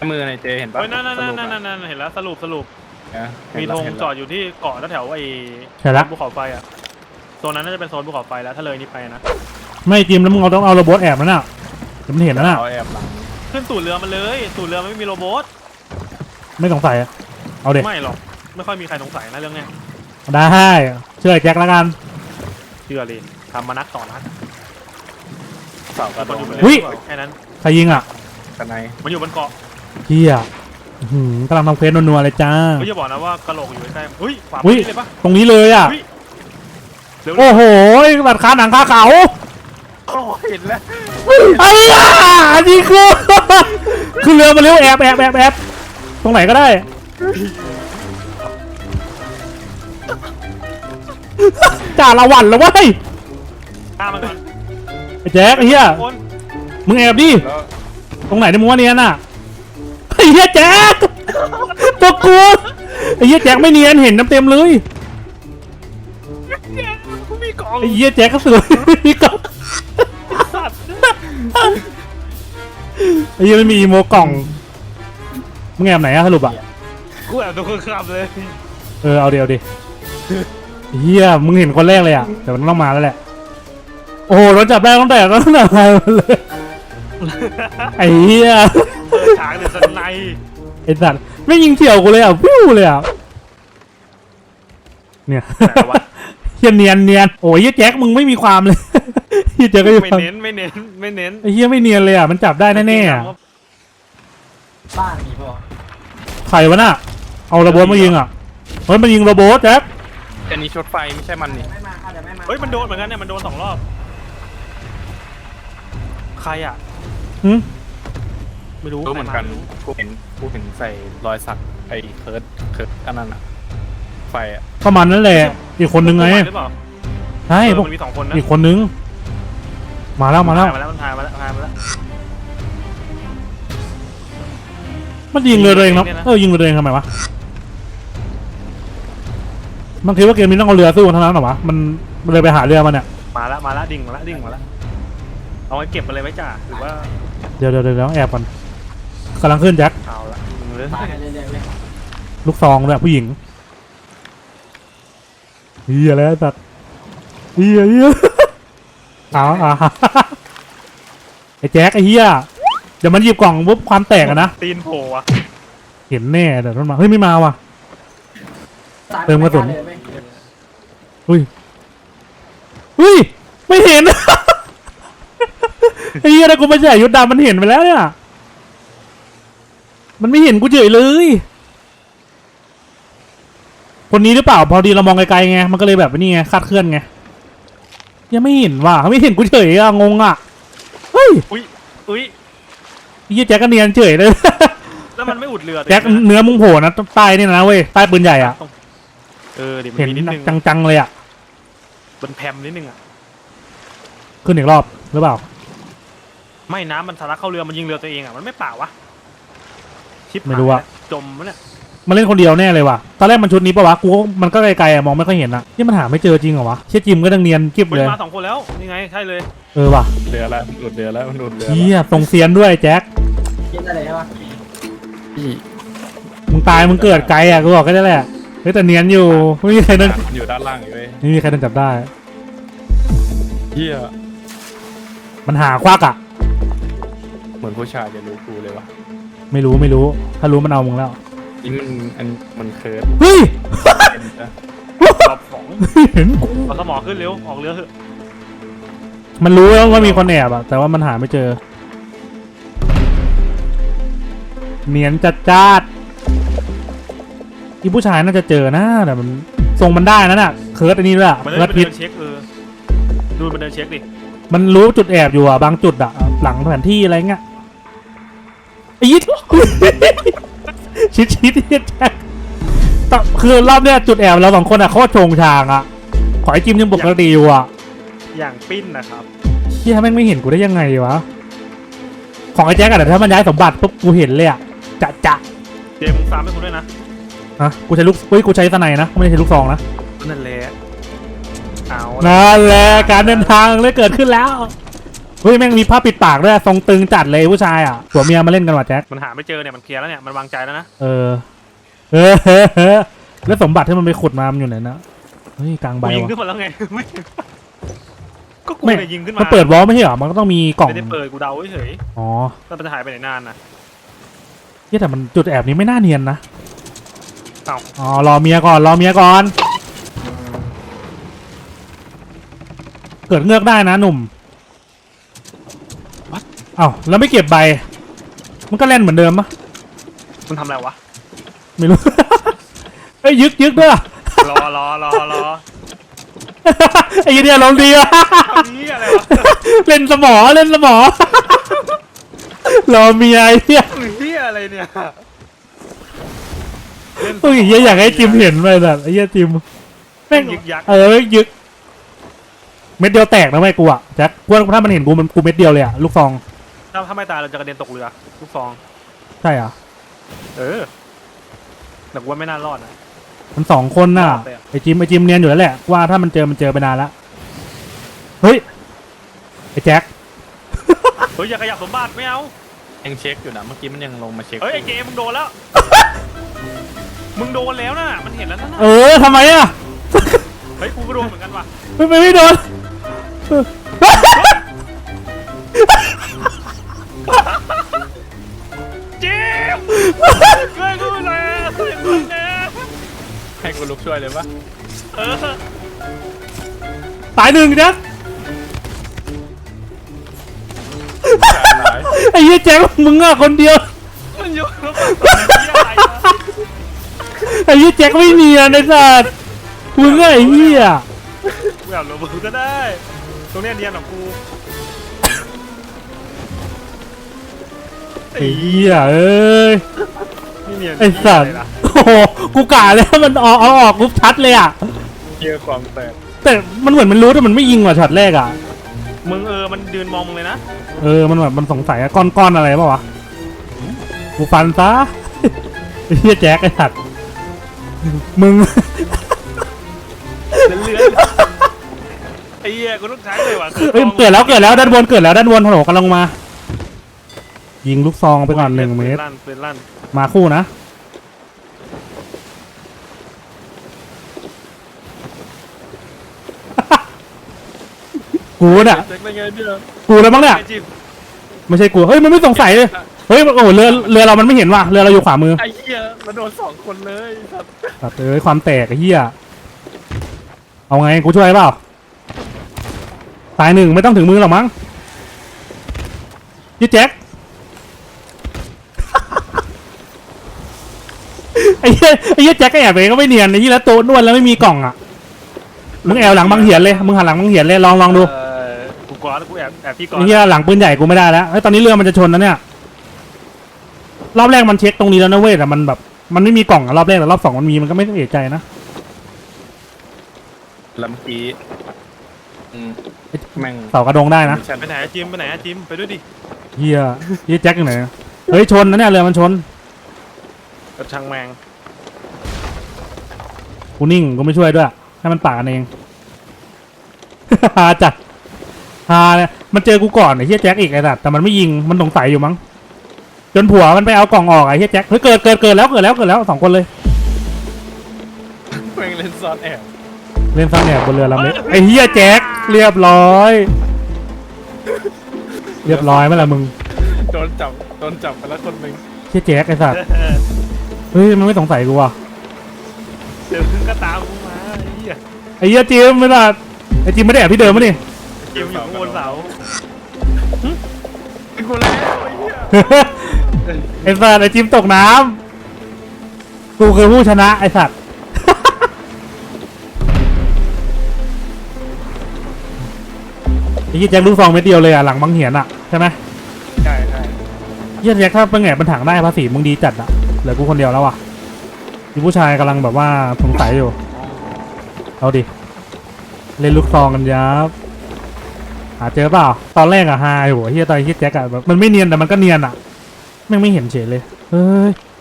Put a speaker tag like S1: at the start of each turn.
S1: มือในเจเห็นปะ
S2: นั่นเห็นแล้วสรุปมีธงจอดอยู่ที่เกาะแถวไอ้ภูเขาไฟอ่ะโซนนั้นน่าจะเป็นโซนภูเขาไฟแล้วถ้าเลยนี้ไปนะ
S3: ไม่จิมแล้วมึงต้องเอาโรบอทแอบนั่นน่ะผมเห็นแล้วน่ะ
S1: เอาแอบหลัง
S2: ขึ้นตูดเรือมันเลยตูดเรือมันไม่มีโรบอท
S3: ไม่สงสัยเอาเด็ก
S2: ไม่หรอกไม่ค่อยมีใครสงสัยนะเรื่องเนี้ย
S3: ได้เชื่อแจ็คแล้วกัน
S2: เชื่อเลยทำมานักต่อนัก
S1: เสากระโดด
S2: แค่นั้น
S3: ใครยิงอ่ะ
S1: กันไหน
S2: มันอยู่บนเกาะ
S3: เฮียกำลังทำเควสนัวๆเลยจ้า
S2: ไม่จะบอกนะว่ากระโหลกอยู่ใกล้ๆเฮ้ยขวาเลยปะ
S3: ตรงนี้เลยอ่ะโอ้โหบัดคาหนังคาเขา
S1: เห็นแล้ว
S3: ไอ้ย่านี่คือเรือมาเร็วแอบตรงไหนก็ได้จ่าละวันแล้วเว้ย
S2: ฆ่ามันก่อน
S3: ไอ้แจ็คไอ้เหี้ยมึงแอบดิตรงไหนในมึงว่าเนียนน่ะไอ้เหี้ยแจ็คตัวกูไอ้เหี้ยแจ็คไม่เนียนเห็นน้ำเต็มเลยไอ้เหี้ยแจ็คก็สวยมีกล่องไอ้เหี้ยไม่มีอีโมกล่องมึงแอบไหนอะสรุปอะ
S2: กูแอบตัวคนขับเลย
S3: เอาดิเฮียมึงเห็นคนแรกเลยอ่ะแต่มันต้องมาแล้วแหละโอ้โหรถจับได้ตั้งแต่เลยไอ้เฮีย
S2: ฉากเดือดสนใน
S3: ไอ้สัตว์ไม่ยิงเฉียวกูเลยอ่ะพิ้วเลยอ่ะเนี่ยเฮียเนียนโอ้ยเฮียแจ็คมึงไม่มีความเลยเฮียแจ็คก็
S2: ไม่เน้น
S3: ไอ้เฮียไม่เนียนเลยอ่ะมันจับได้แน่ๆ
S4: บ้านมีป่ะ
S3: ใครวะน่ะเอาระเบิดมายิงอ่ะเฮ้ยมันยิงระเบิดแจ็ค
S1: อันนี้ชุดไฟไม่ใช่มันนี่
S2: เฮ้ยมันโดนเหมือนกันเนี่ยมันโดน2 รอบใครอ่ะไม่รู้
S1: เหมือนกันกูเห็นใส่รอยสักไอ้เคิร์ดอันนั้นอะไฟอะ
S3: ประมาณนั้นแหละอีกคนนึงไงใช่พวก
S2: มี2 คนนะ
S3: อีกคนนึงมาแล้ว
S2: มันพายมาแล้ว
S3: มันยิงเรือเองนะยิงเรือเองทำไมวะมันคิดว่าเกมนี้ต้องเอาเรือสู้กันเท่านั้นหรอวะมันเลยไปหาเรือมันเนี่ย
S2: มาแล้วดิ่งมาแล้วเอาไว้เก็บไปเลยไว้จ่าหรือว่า
S3: เดี๋ยวแอบก่อนกำลังขึ้นแจ็ค
S2: เอาละ
S3: ลูกซองด้วยผู้หญิงเฮียแล้วสัตว์เฮียไอ้แจ็คไอ้เฮียเดี๋ยวมันหยิบกล่องปุ๊บความแตกอะนะ
S2: ตีนโผล่อะ
S3: เห็นแน่เดี๋ยวมันมาเฮ้ยไม่มาว่ะเติมกระสุนอุ้ยไม่เห็นไอ้เหี้ยนะกูไม่ใช่ยุทธดามันเห็นไปแล้วเนี่ยมันไม่เห็นกูเฉยเลยคนนี้หรือเปล่าพอดีเรามองไกลๆไงมันก็เลยแบบนี่ไงคาดเคลื่อนไงยังไม่เห็นว่ะเขาไม่เห็นกูเฉยอะงงอะเฮ้ยไอ้เหี้ยแจ็คก็เนียนเฉยเลย
S2: แล้วมันไม่อุดเรือ
S3: แจ็คเนื้อมึงโผล่นะใต้นี่นะเว้ยใต้ปืนใหญ่อะเห็นจังๆเลยอะ
S2: เป็นแพมนิดนึงอะ
S3: ขึ้นอีกรอบหรือเปล่า
S2: ไม่น้ำมันทะลักเข้าเรือมันยิงเรือตัวเองอะมันไม่เปล่าวะชิป
S3: ไม่รู้อะ
S2: จมมันเนี่ย
S3: มันเล่นคนเดียวแน่เลยว่ะตอนแรกมันชุดนี้ปะวะกูมันก็ไกลๆอะมองไม่ค่อยเห็นอะที่มันหาไม่เจอจริงเหรอวะเชี่ยจิมก็ดังเนียนกิ๊บเลย
S2: มา2 คนแล้วนี่ไงใช่เลย
S3: ว่ะ
S1: เรือแล้วหลุดเรือแล้วมันหลุดเรือ
S3: เฮียตรงเซียนด้วยแจ็ค
S4: คิดอะไรวะ
S3: มึงตายมึงเกิดไกลอะกูบอกก็ได้แหละเฮ้ยแต่เนียนอยู่ไม่มีใครนั่น
S1: อยู่ด้านล่างอยู่เลย
S3: ไม่มีใครนั่นจับได้
S1: เฮีย
S3: มันหาควักอะ
S1: เหมือนผู้ชายจะรู้กูเลยวะ
S3: ไม่รู้ถ้ารู้มันเอามึงแล้ว
S1: นี่มันเคิร์ด
S3: เฮ้ย
S2: รอบ2เห็นกูเอาสมองขึ้นเร็วออกเรือเถอะ
S3: มันรู้แล้วว่ามีคนแอบอะแต่ว่ามันหาไม่เจอเนียนจัดที่ผู้ชายน่าจะเจอนะแต่มันทรงมันได้นะน่ะเคิร์ดอันนี้ด้วย
S2: เคิร์ดพิษเช็คดูมันเดินเช็คดิ
S3: มันรู้จุดแอบอยู่อะบางจุดอะหลังแผนที่อะไรเงี้ยไอ้ยิดชิดแจ็คคือรอบเนี้ยจุดแอบเรา2 คนอะโคตรโชงชางอะขอไอ้จิมยังปกติอยู่อะ
S2: อย่างปิ้นนะครับ
S3: ที่ทำแม่งไม่เห็นกูได้ยังไงวะของไอ้แจ็คอะแต่ถ้ามันย้ายสมบัติปุ๊บกูเห็นเลยอะจะ
S2: เจมส์ตามให้คุณด้วยนะ
S3: กูใช้กูใช้สไนนะไม่ได้ใช้ลูกซองนะ
S2: นั่นแหละ
S3: นั่นแหละการเดินทางเลยเกิดขึ้นแล้วเฮ้ยแม่งมีผ้าปิดปากด้วยทรงตึงจัดเลยผู้ชายอ่ะผัวเมียมาเล่นกันว่ะแจ็ค
S2: มันหาไม่เจอเนี่ยมันเคลียร์แล้วเนี่ยมันวางใจแล้วนะ
S3: เออแล้วสมบัติที่มันไปขุดมามันอยู่ไหนนะเฮ้ยกลางใบ
S2: กูยิง
S3: วะ
S2: ขึ้นมาแล้วไง ไม่ก็กู
S3: ไม่
S2: เนี่ยยิงขึ้นมา
S3: มันเปิดวอลไม่ใช่เหรอมันก็ต้องมีกล่อง
S2: ไม่ได้เปิดกูเดาเฉย
S3: อ๋อ
S2: ๆแล้วมันจะหายไปไหนนานนะ
S3: เฮ้ยแต่มันจุดแอบนี้ไม่น่าเนียนนะ
S2: เอ้า
S3: อ๋อรอเมียก่อนรอเมียก่อนเกิดเงือกได้นะหนุ่มเอ้าแล้วไม่เก็บใบมันก็เล่นเหมือนเดิมปะ
S2: มันทำอะไรวะ
S3: ไม่รู้ เอ้ยยึกด้วย
S2: รอ
S3: ไอ้เหี้ยลงดีวะ
S2: ทำนี้อะไรวะ
S3: เล่นสมอรอเมียไอ้เหี้ย
S2: เฮียอะไรเนี่ย
S3: เฮ้ยเหี้ยอยากให้จิมเห็นไปแบบไอ้เหี้ยจิมแม่ง
S2: ยึกยักษ์
S3: ยึกเม็ดเดียวแตกนะไม่กูอ่ะแจ็คกูถ้ามันเห็นกูเม็ดเดียวเลยอ่ะลูกซอง
S2: ถ้าไม่ตายเราจะกระเด็นตกเรือลูกฟอง
S3: ใช่อ่ะ
S2: เออแต่กูว่าไม่น่ารอดนะ
S3: มัน2 คนน่ะ
S2: รอดไปอะ
S3: ไอ้จิมเนียนอยู่แล้วแหละว่าถ้ามันเจอไปนานแล้วเฮ้ยไอ้แจ็ค
S2: เฮ้ยอย่าขยับสมบัติไม่เอา
S1: ยังเช็คอยู่นะเมื่อกี้มันยังลงมาเช็ค
S2: เฮ้ยไอ้เกมมึงโดนแล้ว มึงโดนแล้วนะมันเห็นแล้วนะ
S3: ทำไมอ่ะ
S2: เฮ้ยกูก็โดนเหมือนกันว่ะ
S3: ไม่โดน
S2: เจมช่วยกูหน่อยช่วยกูหน่อย
S1: ให้กูลุกช่วยเลยปะ
S2: เออ
S3: ตาย1แจ็ค
S1: หาย
S3: ไอ้เหี้ยแจ็คมึงอ่ะคนเดียว
S2: มันอยู่แล้วมันเหี้ยอะไรนะ
S3: ไอ้เหี้ยแจ็คไม่เนียนไอ้สัสมึงอ่ะไอ้เหี้ย
S2: กูอยากลงมือก็ได้ ตรงเนี้ยเนียนของกู
S3: ไอ้เหี้ยเอ้ย
S2: ไม่เนียน
S3: ไอ้สัส
S2: เหี้ยะรล่ะ
S3: โอ้โหกูกะแล้วมันออกกูชัดเลยอ่ะ
S1: เยอะความแตก
S3: แต่มันเหมือนมันรู้แต่มันไม่ยิงว่ะช็อตแรกอ่ะ
S2: มึงมันยืนมองมึงเลยนะ
S3: มันแบบมันสงสัยอะก้อนอะไรเปล่าวะกูฟันซะ ไอ้เหี้ยแจ็คไอ้สัตว์มึง
S2: เลื่อนไอ้เหี้ยกูต้องใช้เลยว่ะ
S3: เอ้ยเกิดแล้วด้านบนฮัลโหลกำลังมา ยิงลูกซองไปก่อน1 เมตร
S2: ปืนลั่น
S3: มาคู่นะ กูเนี่ย
S1: เช็คได้ไงเนี่ย
S3: กูแล้วมั้งเนี่ย
S2: ไอ้จิ๊บ
S3: ไม่ใช่กูเฮ้ยมันไม่สงสัยเลยเฮ้ยโอ้โหเรือเรามันไม่เห็นว่ะเรือเราอยู่ขวามือ
S1: ไอ้เหี้ยมันโดน2 คนเลยครับ
S3: แบบความแตกไอ้เหี้ยเอาไงกูช่วยเปล่าตาย1ไม่ต้องถึงมือหรอกมั้งยี่แจ็ค ไอ้เหี้ยแจ็คก็แอบไปก็ไม่เนียนไอ้เหี้ยแล้วโต๊ะนวดแล้วไม่มีกล่องอ่ะมึงแอบหลังบังเหียนเลยมึงหันหลังบังเหียนเลยลองดู
S2: กูกอดแล้วกูแอบพี่กอด
S3: ไอ้เหี้ยหลังปืนใหญ่กูไม่ได้แล้วเฮ้ยตอนนี้เรือมันจะชนนะเนี่ยรอบแรกมันเช็คตรงนี้แล้วนะเว้ยแต่มันแบบมันไม่มีกล่องอะรอบแรกแต่รอบ2มันมีมันก็ไม่ต้องเอะใจนะ
S1: แล้วเมื่อกี้แม่ง
S3: เสากระดงได้นะ
S2: ไปไหนอะจิมไปด้วยดิ
S3: เหี้ยแจ็คอยู่ไหนเฮ้ยชนนะเนี่ยเรือมันชน
S2: กระชังแมง
S3: กูนิ่งกูไม่ช่วยด้วยให้มันป่ากันเอง ฮาจัดฮาเนี่ยมันเจอกูก่อนไอ้เฮียแจ็คอีกไอ้สัตว์แต่มันไม่ยิงมันสงสัยอยู่มั้งจนผัวมันไปเอากล่องออกไอ้เฮียแจ็คเฮ้ยเกิดแล้ว2 คนเลย
S1: แม่งเล่นซ่อนแอบ
S3: เล่นซ่อนแอบบนเรือลำเล็กไอ้เฮียแจ็คเรียบร้อยไหมล่ะมึง
S1: โดนจับไปแล้วคนหนึ่ง
S3: เฮียแจ็คไอ้สัตว์เฮ้ยมันไม่สงสัยกูว่ะ
S2: เดี๋ยวขึ้นก็ตามกูมาไอ้เหี้ย
S3: ไอ้เฮียจิมไม่ล่ะไอ้จิมไม่ได้แอบที่เดิมมั้ยนี่
S2: จิมอยู่ข้างบนเสา
S1: เป็นกูแล้วไอ้เหี้ย
S3: ไอ้สัตว์ไอ้จิมตกน้ำกูคือผู้ชนะไอ้สัตว์ ไอ้เหี้ยแจ็คลูกซองเม็ดเดียวเลยอ่ะหลังบังเหียนอ่ะใช่ไหม
S1: ใช่
S3: เหี้ยแจ็คถ้าเป็นไงเป็นถังได้ภาษีมึงดีจัดอ่ะเหลือกูคนเดียวแล้วอ่ะมีผู้ชายกำลังแบบว่าสงสัยอยู่เอาดิเล่นลูกซองกันยับหาเจอเปล่าตอนแรกอะฮาอยู่เฮียตอนเฮียแจ็คอะแบบมันไม่เนียนแต่มันก็เนียนอะแม่งไม่เห็นเฉยเลยเฮ้ย